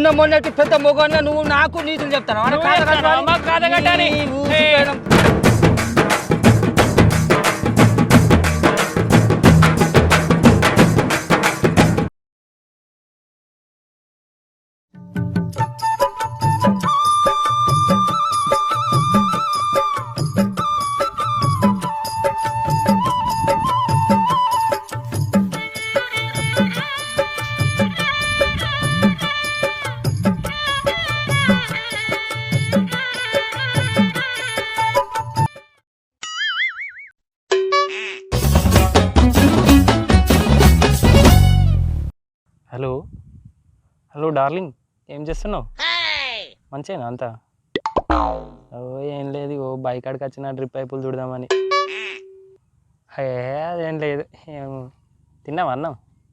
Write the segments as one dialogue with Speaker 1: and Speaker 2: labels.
Speaker 1: నిన్న మొన్నటి పెద్ద మొగన్న నువ్వు నాకు నీతులు చెప్తాను.
Speaker 2: హలో హలో డార్లింగ్, ఏం చేస్తున్నావు? మంచిగా అంతా? ఓ ఏం లేదు, ఓ బైక్ కాడికి వచ్చిన డ్రిప్ పైపులు చూడదామని. అదేం లేదు. తిన్నావా అన్నం?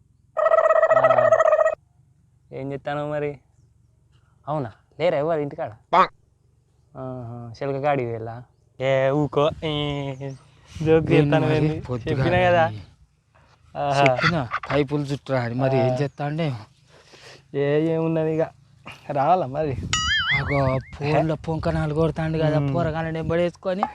Speaker 2: ఏం చెప్తాను మరి? అవునా, లేరా ఎవరు ఇంటికాడ? శిల్క కాడికి వెళ్ళా? ఊకో జోక్ చెప్తాను, చెప్పినా కదా.
Speaker 1: పైపులు చుట్టూ మరి ఏం చేస్తా అంటే
Speaker 2: ఏమున్నది ఇక రావాలా మరి.
Speaker 1: ఫోన్లో పొంకనాలు కొడతాండు కదా పోరగానే పడేసుకొని.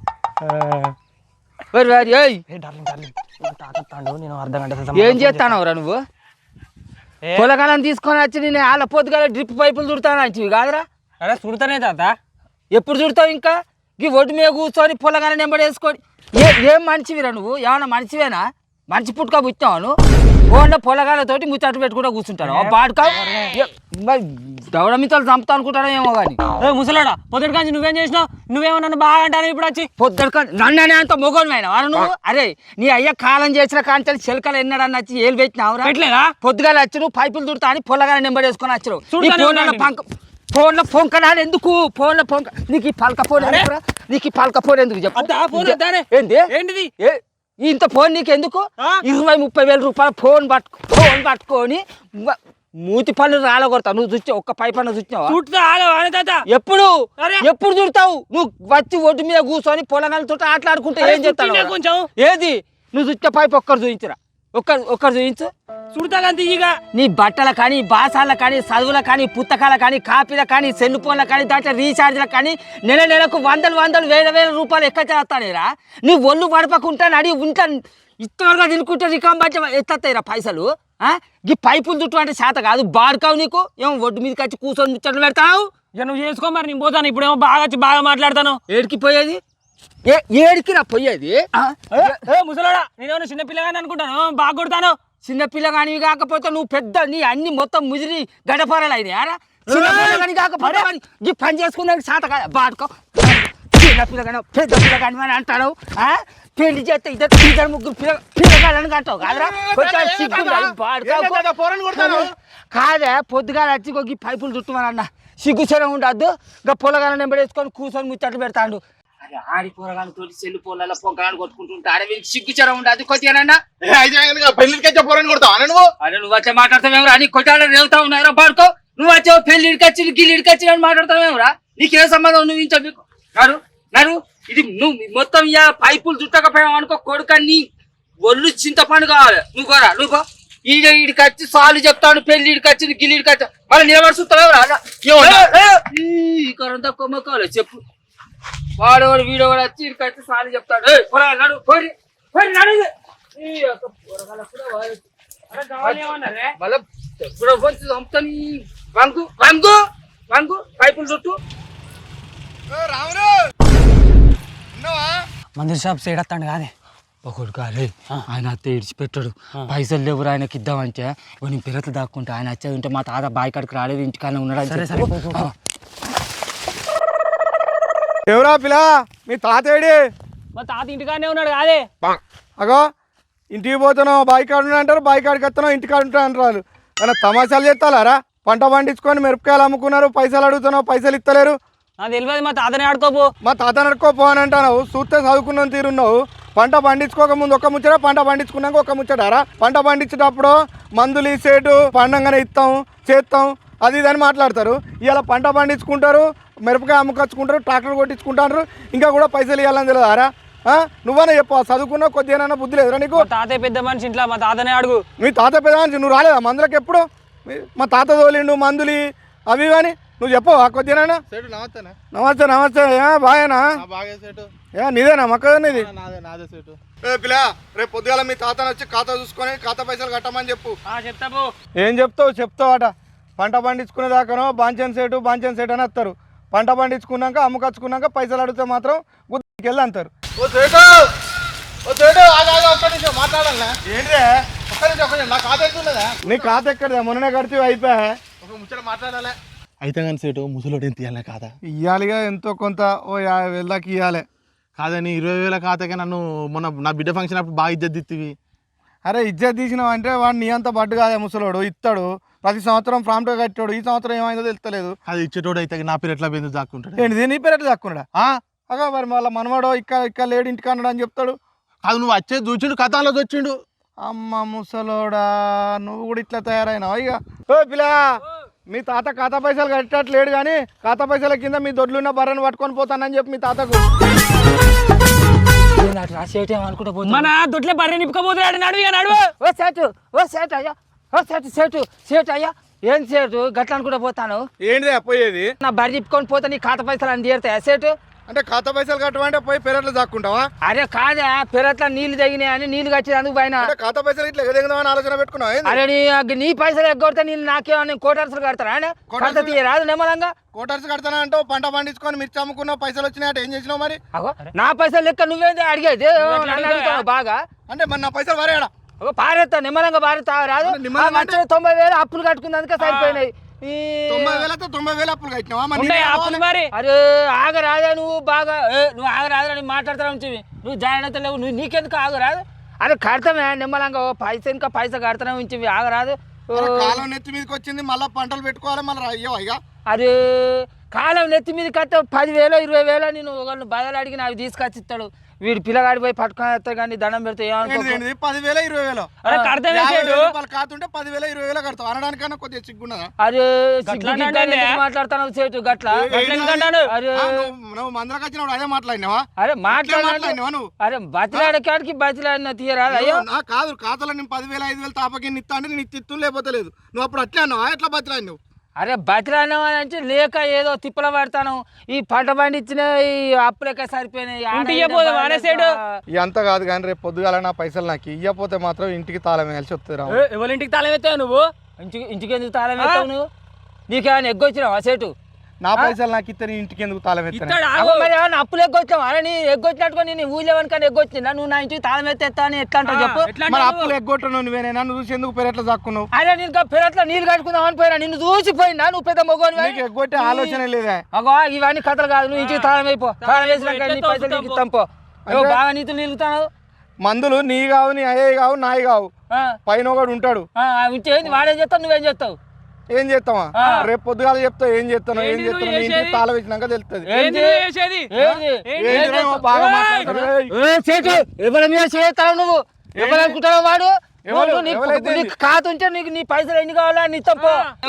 Speaker 2: నేను అర్ధగంట
Speaker 1: ఏం చేస్తానవరా నువ్వు? పొలగాలను తీసుకొని వచ్చి నేను వాళ్ళ పొద్దుగాల డ్రిప్ పైపులు చుడతాను అంచివి కాదురా?
Speaker 2: అరే చుడతానే తాత.
Speaker 1: ఎప్పుడు చుడతావు? ఇంకా ఈ ఒడ్డు మీద కూర్చొని పొలగాలను నెంబడేసుకొని ఏం మనిషివిరా నువ్వు? ఏమన్నా మనిషివేనా? మంచి పుట్టుక పుట్టాను ఫోన్లో పొలగాలతోటి ముచ్చట్లు పెట్టుకుంటూ కూర్చుంటాను. బాడుకా దవడమితలు చంపుతా అనుకుంటాను ఏమో కానీ.
Speaker 2: ముసలాడా, పొద్దుటి కాంచి నువ్వేం చేసినావు? నువ్వేమో నన్ను బాగా అంటాను ఇప్పుడు వచ్చి.
Speaker 1: పొద్దుట నన్ననే అంత మొగోనివైనా వారు నువ్వు? అరే నీ అయ్య కాలం చేసిన కాంచెలు చిలకలు ఎన్నడని వచ్చి ఏలు పెట్టినావురా?
Speaker 2: పెట్టలేదా?
Speaker 1: పొద్దుగాల వచ్చి నువ్వు పైపులు దుడతా అని పొలగాల నెంబడేసుకొని వచ్చావు. ఫోన్లో పొంకనాలు ఎందుకు? ఫోన్లో పొంక నీకు ఈ పలక ఫోన్ ఎందుకురా? నీకు ఈ పలక ఫోన్ ఎందుకు చెప్పు?
Speaker 2: ఏంటిది
Speaker 1: ఇంత ఫోన్ నీకు ఎందుకు? 20-30 వేల రూపాయల ఫోన్ పట్టుకొని మూతి పళ్ళు రాలగొడతావు. నువ్వు చూస్తే ఒక్క పై పన్ను చూసినావా? ఎప్పుడు చూడతావు? నువ్వు వచ్చి ఒడ్డు మీద కూర్చొని పొలగాలతో ఆటలాడుకుంటే ఏం చేస్తావు?
Speaker 2: కొంచెం ఏది
Speaker 1: నువ్వు చూస్తే పైపు ఒక్కరు చూపించరా? ఒక్కరు చూపించు.
Speaker 2: చూడతా
Speaker 1: నీ బట్టల కానీ, బాసాల కానీ, చదువుల కానీ, పుస్తకాల కానీ, కాపీల కానీ, సెల్ ఫోన్ల కానీ, దాంట్లో రీఛార్జ్ల కానీ నెలకు 100 వేల రూపాయలు ఎక్క చేస్తానేరా? నీ ఒళ్ళు పడపకుంటా నడి ఉంటా ఇత్తగా తినుకుంటే రికాం బట్ట ఎత్తేరా పైసలు. ఈ పైపులు చుట్టూ అంటే చేత కాదు, బాడుకావు నీకు. ఏమో ఒడ్డు మీదకి వచ్చి కూర్చొని ముచ్చట్లు పెడతావు.
Speaker 2: ఇక నువ్వు చేసుకో మరి, నేను పోతాను. ఇప్పుడేమో బాగా మాట్లాడతాను.
Speaker 1: ఏడికి పోయేది? ఏడికి రా పోయేది?
Speaker 2: ముసలాడా, నేనేమో చిన్నపిల్లగాని అనుకుంటాను, బాగా కొడతాను.
Speaker 1: చిన్నపిల్లగానివి కాకపోతే నువ్వు పెద్ద నీ అన్ని మొత్తం ముదిరి గడపరలు అయినాయారా? చిన్నపిల్లగాని కాకపోతే ఈ పని చేసుకున్నానికి చేత కాదు. బాడుకో చిన్నపిల్లగాని పెద్ద పిల్లగాని అని అంటాడు. పెళ్లి చేస్తే ఇద్దరు ముగ్గురు పిల్లగాలని అంటావు కాదురా? కాదే పొద్దుగా వచ్చి పైపులు చుట్టమని అన్న సిగ్గుచరం ఉండద్దు. ఇంకా పొలగాలను నెంబడేసుకొని కూర్చొని ముచ్చట్లు పెడతాడు. అరే ఆడి పొరగాలతో సెల్లు పొలాల పొగాను కొట్టుకుంటుంటే అరే వీరికి సిగ్గుచరం ఉండదు కొద్దిగానన్నా. అరే నువ్వు వచ్చే మాట్లాడతావేమరా? నీ కొట్టాలని రేవుతా ఉన్నారా? పాడుకో. నువ్వు వచ్చావు పెళ్లిడికి వచ్చి గిల్లిడికి వచ్చి అని మాట్లాడతావేమరా? నీకేం సంబంధం? నువ్వు ఇంచు నాడు ఇది నువ్వు మొత్తం ఇక పైపులు చుట్టకపోయావు అనుకో కొడుకని ఒళ్ళు చింతపండు కావాలి. నువ్వు ఈడికి వచ్చి సాలు చెప్తాను. పెళ్లిడికి వచ్చి గిల్లిడికి వచ్చి మళ్ళీ నిలబడి చూస్తావేమరా? కరంతా కొమ్మకావాలి చెప్పు. వాడవాడు వీడవాడు వచ్చి ఇక్కడికి వచ్చి సాలు చెప్తాడు. పైపులు చుట్టూ
Speaker 2: మందిర్ షాప్ సేడత్తాడు కాదే
Speaker 1: ఒకడు కాలే. ఆయన అత్త ఇడిచిపెట్టాడు. పైసలు లేవురు ఆయనకి ఇద్దామంటే నేను పిల్లలు దాక్కుంటా. ఆయన వచ్చేది ఉంటే మా తాత బాయ్ కాడికి రాలేదు, ఇంటికానే ఉన్నాడు.
Speaker 3: ఎవరా పిల్ల? మీ తాత ఏడి?
Speaker 2: మా తాత ఇంటికాడనే ఉన్నాడు కాదే.
Speaker 3: అగో ఇంటికి పోతున్నావు బాయ్ కాడు అంటారు, బాయ్ కాడికి వస్తున్నావు ఇంటికాడ ఉంటావు అంటారు. అలా తమాషాలు చేస్తారా? పంట పండించుకొని మిరపకాయలు అమ్ముకున్నారు, పైసలు అడుగుతున్నావు, పైసలు ఇస్తలేరు.
Speaker 2: నాకు తెలియదు. మా తాతనే ఆడుకోపో.
Speaker 3: మా తాతని ఆడుకోపో అని అంటున్నావు. చూస్తే చదువుకున్న తీరున్నావు. పంట పండించుకోక ముందు ఒక ముచ్చట, పంట పండించుకున్నాక ఒక ముచ్చటారా? పంట పండించేటప్పుడు మందులు ఇసేటు పండంగానే ఇస్తాం చేస్తాం అది ఇదని మాట్లాడతారు. ఇలా పంట పండించుకుంటారు, మిరపకాయ అమ్ముకొచ్చుకుంటారు, ట్రాక్టర్ కొట్టించుకుంటారు, ఇంకా కూడా పైసలు ఇవ్వాలని తెలియదారా? నువ్వనే చెప్పు. చదువుకున్నా కొద్దిగా బుద్ధి లేదురా నీకు?
Speaker 2: తాతయ్య పెద్ద మనిషి ఇంట్లో, మా తాతనే అడుగు.
Speaker 3: మీ తాత పెద్ద మనిషి, నువ్వు రాలేదా మందులకు ఎప్పుడు? మా తాత తోలిండు మందులు అవి కానీ నువ్వు చెప్పవా కొద్దిగా
Speaker 4: సేటు నమస్తేనా
Speaker 3: నమస్తే నమస్తే బాగేనా
Speaker 4: బాగా సేటు
Speaker 3: నీదేనా మక్క నీది
Speaker 4: నాదే సేటు
Speaker 3: పిల్ల రేపు పొద్దుగాల మీ తాతను వచ్చి ఖాతా చూసుకొని ఖాతా పైసలు కట్టమని చెప్పు
Speaker 2: చెప్తావు
Speaker 3: ఏం చెప్తావు అట పంట పండించుకునే దాకానో బాంచన్ సేటు అని వస్తారు పంట పండించుకున్నాక అమ్ముకొచ్చుకున్నాక పైసలు అడిగితే మాత్రం గుద్దికి వెళ్ళి అంటారు
Speaker 4: మాట్లాడాలా
Speaker 3: ఏంటే
Speaker 4: నా ఖాతా ఎక్కున్నదా
Speaker 3: నీ ఖాతా ఎక్కడదా మొన్ననే కడితే అయిపోయా
Speaker 4: ఒక ముచ్చట మాట్లాడాలి అయితే కానీ సేటు ముసలోడు ఏం తీయాలి ఖాతా
Speaker 3: ఇవ్వాలిగా ఎంతో కొంత ఓ 50,000 దాకా ఇవ్వాలి
Speaker 4: కాదని 20,000 ఖాతాకే నన్ను మొన్న నా బిడ్డ ఫంక్షన్ అప్పుడు బాగా ఇజ్జత్ ఇత్తివి
Speaker 3: అరే ఇజ్జత్ తీసినావు అంటే వాడు నీ అంత బడ్డు కాదా ముసలోడు ఇస్తాడు ప్రతి సంవత్సరం ప్రాంప్ట్గా కట్టాడు ఈ సంవత్సరం ఏమైందో తెలుస్తలేదు
Speaker 4: అది ఇచ్చేటోడు అయితే నా పేరు ఎట్లా పోయిందో దాక్కుంటాడు
Speaker 3: ఏంటిది నీ పేరు ఎట్లా దాక్కున్నాడా అగా మరి వాళ్ళ మనవాడో ఇక్కడ లేడు ఇంటికి అన్నాడు అని చెప్తాడు
Speaker 4: కాదు నువ్వు వచ్చేది చూచిండు కథలో వచ్చిండు
Speaker 3: అమ్మ ముసలోడా నువ్వు కూడా ఇట్లా తయారైనావు ఇక ఓ పిల్ల మీ తాత ఖాతా పైసలు కట్టట్లేడు కానీ ఖాతా పైసల కింద మీ దొడ్లున్న బర్రెను పట్టుకొని పోతానని చెప్పి మీ తాతకు
Speaker 2: మన దొడ్లే బర్రె నింపుకోబోతున్నాడు నడువు
Speaker 1: ఓ సేటు అయ్యా సేటు అయ్యా ఏం సేటు గట్ల అనుకుంటా పోతాను
Speaker 3: ఏంటిదే పోయేది
Speaker 1: నా బర్రె నిప్పుకొని పోతా నీ ఖాతా పైసలు అని తీరుతాయా సేటు
Speaker 3: అంటే ఖాతా పైసలు కట్టమంటే పోయి పెరట్లో దాక్కుంటావా
Speaker 1: అరే కాదా పెరట్ల నీళ్లు తగినాయని నీళ్లు కట్టేందుకు పైన
Speaker 3: అంటే ఖాతా పైసలు ఇట్లా ఎగదెగదామని ఆలోచన పెట్టుకున్నావు
Speaker 1: అరే నీ పైసలు ఎగ్గొడితే నీళ్ళు నాకేమన్నా కోటర్సులు కడతారా కడత తీయరాదు నిమ్మలంగా
Speaker 3: కోటర్స్ కడతానా అంటావు పంట పండించుకొని మిర్చి అమ్ముకున్నావు పైసలు వచ్చినాయంటే ఏం చేసినావు మరి
Speaker 1: అగో నా పైసలు లెక్క నువ్వేంది అడిగేది నన్ను అడుగుతావు బాగా
Speaker 3: అంటే మరి నా పైసలు వరేడా
Speaker 1: పారేస్తా నిమ్మలంగా పారేస్తా రాదు 90,000 అప్పులు కట్టుకున్నందుకే సరిపోయినాయి
Speaker 3: 90,000 అప్పులు కట్టినావా
Speaker 1: అరే ఆగరాదా నువ్వు బాగా నువ్వు ఆగరాదా నేను మాట్లాడతా ఉంటుంది నువ్వు జాయిన్ అవుతా లేవు నువ్వు నీకెందుకు ఆగరాదు అరే కడతామే నిమ్మలంగా పైసా కడతానే ఉంచివి ఆగరాదు
Speaker 3: కాలం నెత్తి మీదకి వచ్చింది మళ్ళీ పంటలు పెట్టుకోవాలి మళ్ళీ అయ్యో ఇక
Speaker 1: అరే కాలం నెత్తి మీద కట్ట 10,000 20,000 నేను ఒకళ్ళు బదలు అడిగిన అవి తీసుకొచ్చి ఇస్తాడు వీడు పిల్లగాడి పోయి పట్టుకొని వస్తాడు కానీ దండం పెడితే
Speaker 3: 10,000 20,000 కాతుంటే 10,000 20,000 కడతావు అనడానికన్నా కొద్దిగా సిగ్గున్నదా
Speaker 1: అరే మాట్లాడుతున్నావు సేటు గట్ల అరే
Speaker 3: నువ్వు మందరకు వచ్చినప్పుడు అదే మాట్లాడినావా
Speaker 1: అరే
Speaker 3: మాట్లాడినావా నువ్వు
Speaker 1: అరే బతిలాడకాడికి బతిలాడిన తీయరాదు అయ్యో
Speaker 3: కాదు ఖాతాలో నేను 10,000 5,000 తాపకి ఇస్తా అంటే నేను ఇత్తు లేకపోతే లేదు నువ్వు అప్పుడు అట్లా అన్నావా ఎట్లా బతిలాడినావు
Speaker 1: అరే బతిలాడినావు అని అంటే లేక ఏదో తిప్పల పడతాను ఈ పంట పండించిన ఈ అప్పులెక్క సరిపోయినాయి
Speaker 3: ఎంత కాదు కానీ రేపు పొద్దుగాల నా పైసలు నాకు ఇయ్యపోతే మాత్రం ఇంటికి తాళం వేయాల్సి వస్తుంది
Speaker 1: ఎవరింటికి తాళం ఎత్తావు నువ్వు ఇంటికి ఎందుకు తాళం ఎత్తావు నువ్వు నీకేమైనా ఎగ్గొచ్చినావా సేటు
Speaker 3: నా పైసలు నాకు ఇస్తే ఇంటికి ఎందుకు తాళం ఎత్తాను
Speaker 1: మరి ఏమన్నా అప్పులు ఎగ్గొచ్చావా అరే నీ ఎగ్గొచ్చినట్టుగా నేను ఊళ్ళేవనికని ఎగ్గొచ్చిందా నువ్వు నా ఇంటికి తాళం ఎత్తా అని ఎట్లా అంటావు చెప్పు
Speaker 3: మరి అప్పులు ఎగ్గొట్టను నువ్వేనే నన్ను చూసి ఎందుకు పెరట్లో దాక్కున్నావు
Speaker 1: అరే నేను పెరట్లో నీళ్ళు కట్టుకుందాం అని పోయినా నిన్ను చూసిపోయినా నువ్వు పెద్ద మొగోని
Speaker 3: ఎగ్గొట్టే ఆలోచన లేదా
Speaker 1: అగో ఇవన్నీ కథలు కాదు నువ్వు ఇంటికి తాళం అయిపో తాళం వేసినాక నీ పైసలు నీకు ఇస్తాం పో బాగా నీతులు నిలుగుతావు
Speaker 3: మందులు నీ కావు నీ అయ్యే కావు నాయి కావు పైన ఒకడు ఉంటాడు
Speaker 1: ఇంకేంది వాడేం చేస్తావు నువ్వేం చేస్తావు
Speaker 3: ఏం చేస్తావా రేపు పొద్దుగాల చెప్తావు ఏం చేస్తాను ఏం చేస్తాను ఇంటికి తాళం వేసినాక తెలుస్తుంది
Speaker 1: నువ్వు ఎవరనుకుంటావు వాడు ఖాతా ఉంటే నీకు నీ పైసలు ఎన్ని కావాలా నీ తప్పు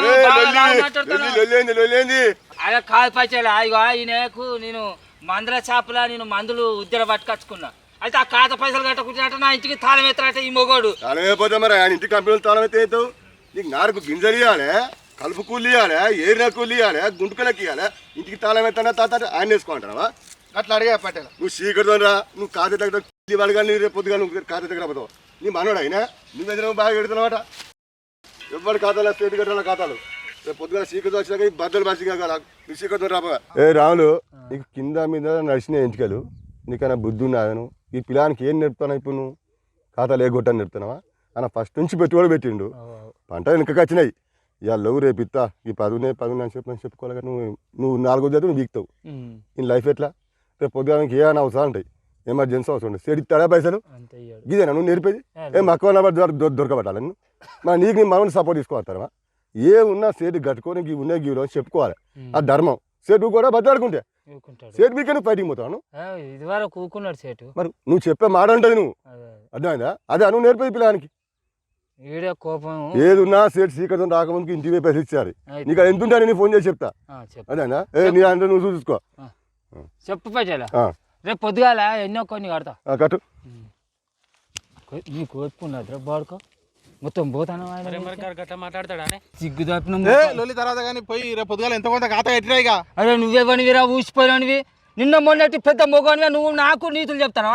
Speaker 1: అదే కాదు పైసలు అయ్యో ఈయనకు నేను మందుల చేపల నేను మందులు ఉద్దర పట్టుకొచ్చుకున్నా అయితే ఆ ఖాతా పైసలు కట్టకుంటే నా ఇంటికి తాళం ఎత్తారట ఈ మొగోడు
Speaker 5: తాళం అయిపోతే మరి ఆయన ఇంటికి కంపెనీలు తాళం అయితే అవుతావు నీకు నారుకు గింజలు ఇవ్వాలి కలుపు కూలి ఇవ్వాలి ఏరిన కూలి ఇవ్వాలి గుంటుకలకి ఇవ్వాలి ఇంటికి తాళం ఎత్తానా తాత ఆయన వేసుకుంటావా
Speaker 3: అట్లా అడిగా పట్టేలా
Speaker 5: నువ్వు చీకటితో రా నువ్వు ఖాతా దగ్గర వాళ్ళు కానీ రేపు పొద్దుగా నువ్వు ఖాతా దగ్గర పోతావు నీ మనోడు అయినా నువ్వెందుకు బాగా పెడుతున్నావట ఎవరి ఖాతాలో స్టేట్ కట్టాల ఖాతాలు రేపు పొద్దుగా చీకటి వచ్చినాక బద్దలు బసిగా కదా నువ్వు చీకటితో రాబోగా ఏ రాములు నీకు కింద మీద నడిచిన ఎంటికలు నీకైనా బుద్ధి ఉన్నాను ఈ పిల్లానికి ఏం నేర్పుతావు ఇప్పుడు నువ్వు ఖాతాలు ఏ గొట్టని నేర్పుతున్నావా అన్న ఫస్ట్ నుంచి పెట్టుబడి పెట్టిండు పంట వెనకకి వచ్చినాయి ఇవాళ లేవు రేపు ఇస్తా ఈ 10 అని చెప్పుకోవాలి నువ్వు 4 రోజులు నువ్వు వీక్తావు ఈ లైఫ్ ఎట్లా రేపు పొద్దుగానికి ఏ అని అవసరం ఉంటాయి ఎమర్జెన్సీ అవసరం ఉంటుంది సేడు ఇస్తాడా పైసలు ఇదేనా నువ్వు నేర్పేది మక్కువ దొరకబట్టాలి మరి నీకు నీ మనల్ని సపోర్ట్ తీసుకోవస్తారా ఏ ఉన్నా సేటు కట్టుకొని ఉన్నాయి గీవులు అని చెప్పుకోవాలి ఆ ధర్మం సేటు కూడా బద్దలాడుకుంటే సేటు మీకే నువ్వు ఫైటింగ్ పోతావు మరి నువ్వు చెప్పే మాట ఉంటుంది నువ్వు అర్థమైందా అదే నువ్వు నేర్పేది పిల్లడానికి
Speaker 1: కోపం
Speaker 5: ఏది ఉన్నా సేటు సీకరం రాకముందుకు ఇంటికి పైసలు ఇచ్చారు నీకు అది ఎంత ఉంటా నేను ఫోన్ చేసి చెప్తా అదేనా నీ అంటే నువ్వు చూసుకో
Speaker 1: చెప్పు పైసలు రేపు పొద్దుగాల ఎన్నో కొన్ని కడతా
Speaker 5: కట్టు
Speaker 1: నీ కోపుకున్నదిరా బాడుకో మొత్తం పోతాను
Speaker 2: గట్లా మాట్లాడతాడా
Speaker 1: సిగ్గు తప్పిన
Speaker 4: ఏ లొల్లి తర్వాత కానీ పోయి రేపు పొద్దుగాల ఎంత కొంత ఖాతా ఎట్టినా ఇక
Speaker 1: అరే నువ్వేవనివిరా ఊసిపోయినవి నిన్న మొన్నటి పెద్ద మొగనివా నువ్వు నాకు నీతులు చెప్తాను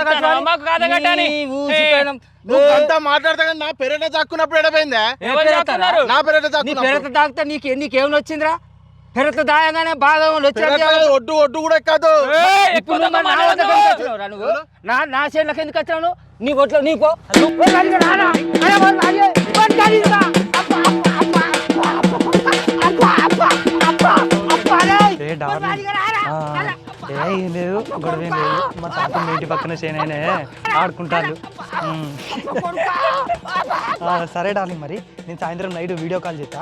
Speaker 4: నువ్వు అంతా మాట్లాడతా కానీ నా పెరట దాక్కున్నప్పుడు ఎడపోయిందా నా పెరట
Speaker 1: పెరత తాకితే నీకేమైనా వచ్చిందిరా పెరత దాయంగానే బాగా
Speaker 4: ఒడ్డు ఒడ్డు కూడా ఎక్కదు
Speaker 1: నా చేనులకు ఎందుకు వచ్చాను నీ ఒట్లో నీ పో
Speaker 2: ఏం లేదు గొడవ ఏం లేదు మా తాత మీ ఇంటి పక్కన చేనైనా ఆడుకుంటారు సరే డార్లింగ్ మరి నేను సాయంత్రం నైట్ వీడియో కాల్ చేస్తా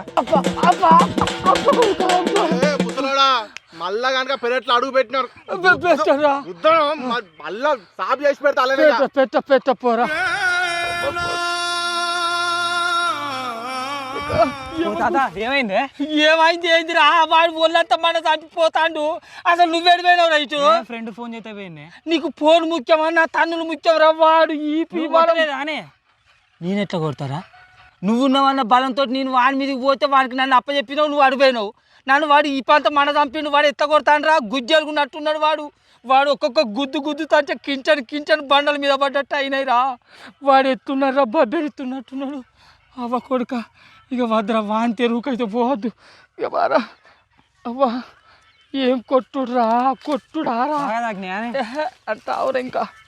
Speaker 4: ముసలోడా మళ్ళా కనుక పెరట్లో అడుగు పెట్టినారు మళ్ళా సాపు చేసి పెడతా
Speaker 1: పెట్ట పోరా
Speaker 2: ఏమైంది
Speaker 1: ఏమైంది ఏందిరా వాడు ఒళ్ళంతా మన చంపిపోతాండు అసలు నువ్వేడిపోయినావు రైతు
Speaker 2: ఫ్రెండ్ ఫోన్ చేస్తే పోయింది
Speaker 1: నీకు ఫోన్ ముఖ్యమా నా తన్నులు ముఖ్యం రా వాడు ఈ
Speaker 2: అనే
Speaker 1: నేను ఎట్లా కొడతారా నువ్వున్నావన్న బలంతో నేను వాడి మీదకి పోతే వాడికి నన్ను అప్పచెప్పినావు నువ్వు అడిపోయినావు నన్ను వాడు ఈ పంత మన చంపిండు వాడు ఎత్త కొడతాను రా గుజ్జలుకున్నట్టున్నాడు వాడు ఒక్కొక్క గుద్దు తంటే కించని బండల మీద పడ్డట్టు అయినాయిరా వాడు ఎత్తున్నాడు రా బెరుతున్నట్టున్నాడు అవ్వ కొడుక ఇక వద్దురా వాని తెరువుకైతే పోవద్దు ఇక బారా అవ్వా ఏం కొట్టుడురా రా అంటావురా ఇంకా